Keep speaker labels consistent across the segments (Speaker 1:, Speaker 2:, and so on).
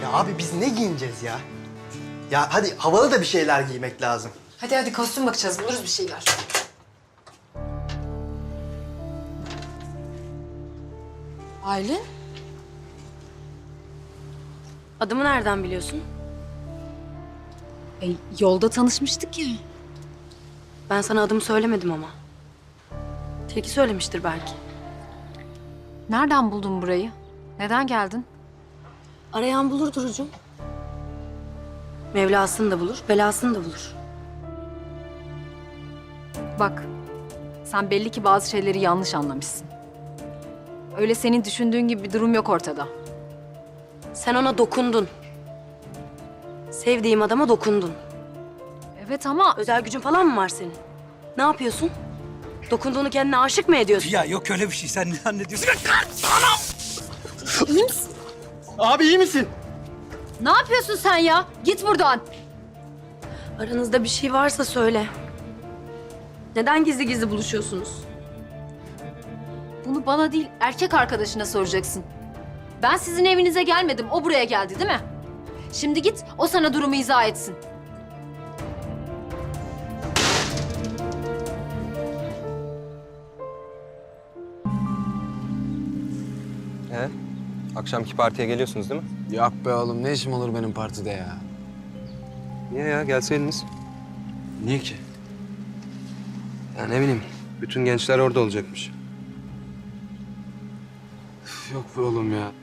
Speaker 1: Ya abi biz ne giyineceğiz ya? Ya hadi havalı da bir şeyler giymek lazım.
Speaker 2: Hadi kostüm bakacağız. Buluruz bir şeyler. Aylin?
Speaker 3: Adımı nereden biliyorsun?
Speaker 2: Yolda tanışmıştık ya.
Speaker 3: Ben sana adımı söylemedim ama. Tilki söylemiştir belki.
Speaker 2: Nereden buldun burayı? Neden geldin?
Speaker 3: Arayan bulur Duru'cum. Mevlasını da bulur, belasını da bulur.
Speaker 2: Bak, sen belli ki bazı şeyleri yanlış anlamışsın. Öyle senin düşündüğün gibi bir durum yok ortada.
Speaker 3: Sen ona dokundun. Sevdiğim adama dokundun.
Speaker 2: Evet ama
Speaker 3: Özel gücün falan mı var senin? Ne yapıyorsun? Dokunduğunu kendine aşık mı ediyorsun?
Speaker 4: Ya yok öyle bir şey. Sen ne zannediyorsun?
Speaker 3: İyi misin?
Speaker 1: Abi iyi misin?
Speaker 2: ne yapıyorsun sen ya? Git buradan.
Speaker 3: Aranızda bir şey varsa söyle. Neden gizli gizli buluşuyorsunuz?
Speaker 2: Bunu bana değil, erkek arkadaşına soracaksın. Ben sizin evinize gelmedim, o buraya geldi değil mi? Şimdi git, o sana durumu izah etsin.
Speaker 5: Akşamki partiye geliyorsunuz değil mi?
Speaker 6: Yok be oğlum, ne işim olur benim partide ya?
Speaker 5: Niye ya? Gelseydiniz.
Speaker 6: Niye ki?
Speaker 5: Ya ne bileyim. Bütün gençler orada olacakmış.
Speaker 6: Üf, yok be oğlum ya.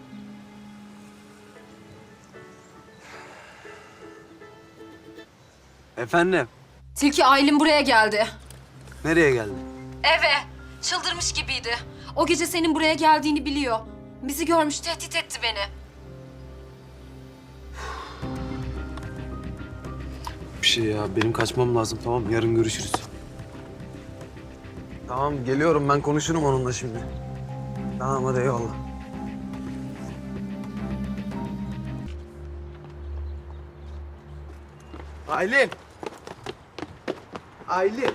Speaker 6: Efendim,
Speaker 2: Tilki Aylin buraya geldi.
Speaker 6: nereye geldin?
Speaker 2: Eve. Çıldırmış gibiydi. O gece senin buraya geldiğini biliyor. Bizi görmüş, tehdit etti beni.
Speaker 6: Bir şey ya, benim kaçmam lazım, tamam mı? Yarın görüşürüz. Tamam, geliyorum, ben konuşurum onunla şimdi. Tamam, hadi eyvallah. Aylin! Aylin!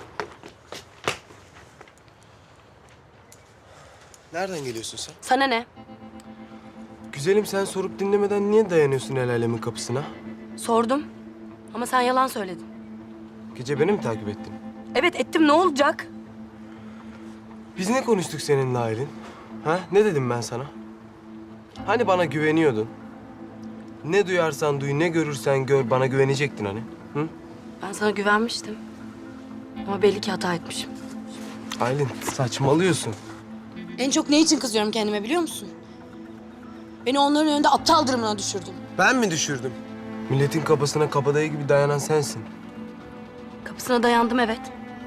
Speaker 7: Nereden geliyorsun sen?
Speaker 3: Sana ne?
Speaker 7: Güzelim sen sorup dinlemeden niye dayanıyorsun el alemin kapısına?
Speaker 3: Sordum. Ama sen yalan söyledin.
Speaker 7: Gece beni mi takip ettin?
Speaker 3: Evet ettim, ne olacak?
Speaker 7: Biz ne konuştuk seninle Aylin? Ha? Ne dedim ben sana? Hani bana güveniyordun? Ne duyarsan duy, ne görürsen gör, bana güvenecektin hani. Hı?
Speaker 3: Ben sana güvenmiştim. Ama belli ki hata etmişim.
Speaker 7: Aylin saçmalıyorsun.
Speaker 3: En çok ne için kızıyorum kendime biliyor musun? Beni onların önünde aptal durumuna düşürdün.
Speaker 7: Ben mi düşürdüm? Milletin kapısına kabadayı gibi dayanan sensin.
Speaker 3: Kapısına dayandım evet.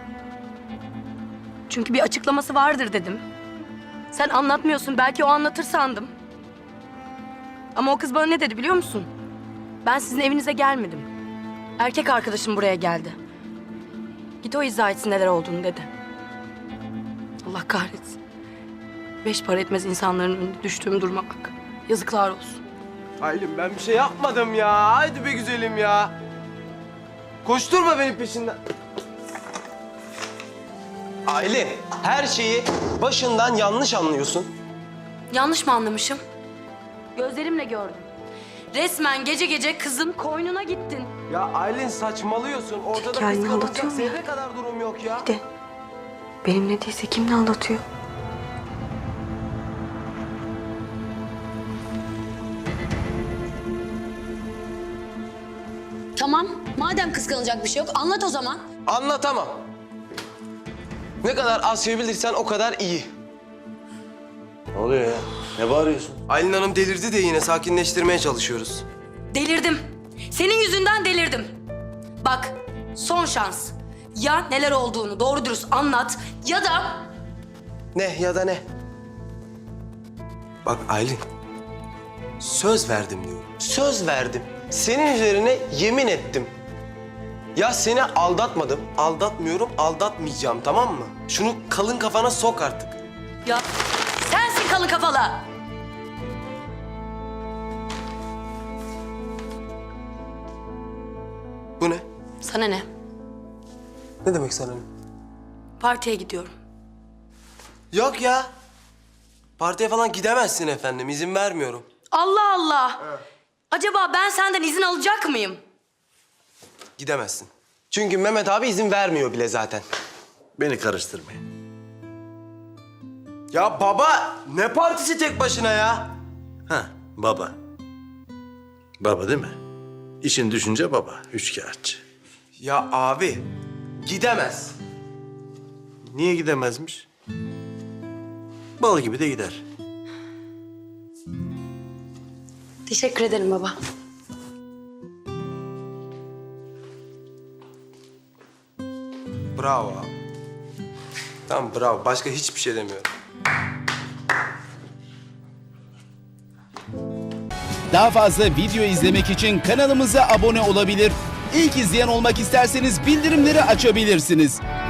Speaker 3: Çünkü bir açıklaması vardır dedim. Sen anlatmıyorsun, belki o anlatır sandım. Ama o kız bana ne dedi biliyor musun? Ben sizin evinize gelmedim. Erkek arkadaşım buraya geldi. Git o izah etsin neler olduğunu dedi. Allah kahretsin. 5 para etmez insanların önünde düştüğüm duruma bak. Yazıklar olsun.
Speaker 7: Aylin ben bir şey yapmadım ya. Haydi be güzelim ya. Koşturma benim peşinden. Aylin, her şeyi başından yanlış anlıyorsun.
Speaker 3: Yanlış mı anlamışım? Gözlerimle gördüm. Resmen gece gece kızın koynuna gittin.
Speaker 7: Ya Aylin saçmalıyorsun. Ortada
Speaker 3: Hikayeni
Speaker 7: kıskanılacak
Speaker 3: anlatıyor mu ya?
Speaker 7: zerre kadar durum yok ya.
Speaker 3: De. Benim ne değilse kim ne anlatıyor?
Speaker 8: Tamam. Madem kıskanılacak bir şey yok anlat o zaman.
Speaker 7: Anlatamam. Ne kadar az şey bilirsen o kadar iyi.
Speaker 9: Ne oluyor ya? Ne bağırıyorsun?
Speaker 7: Aylin Hanım delirdi de yine sakinleştirmeye çalışıyoruz.
Speaker 3: Delirdim. Senin yüzünden delirdim. Bak, son şans. Ya neler olduğunu doğru dürüst anlat ya da...
Speaker 7: Ne ya da ne? Bak Aylin, söz verdim diyorum. Söz verdim. Senin üzerine yemin ettim. Ya seni aldatmadım, aldatmıyorum, aldatmayacağım tamam mı? Şunu kalın kafana sok artık.
Speaker 3: Ya sensin kalın kafalı.
Speaker 7: Bu ne?
Speaker 3: Sana ne?
Speaker 7: Ne demek sana ne?
Speaker 3: Partiye gidiyorum.
Speaker 7: Yok ya. Partiye falan gidemezsin efendim, izin vermiyorum.
Speaker 3: Allah Allah. Acaba ben senden izin alacak mıyım?
Speaker 7: Gidemezsin. Çünkü Mehmet abi izin vermiyor bile zaten.
Speaker 9: Beni karıştırmayın.
Speaker 7: Ya baba ne partisi tek başına ya?
Speaker 9: Ha, baba. Baba değil mi? İşin düşünce baba, üçkağıtçı.
Speaker 7: Ya abi gidemez.
Speaker 9: Niye gidemezmiş? Bal gibi de gider.
Speaker 3: Teşekkür ederim baba.
Speaker 7: Bravo abi. Tamam bravo. Başka hiçbir şey demiyorum.
Speaker 10: Daha fazla video izlemek için kanalımıza abone olabilir. İlk izleyen olmak isterseniz bildirimleri açabilirsiniz.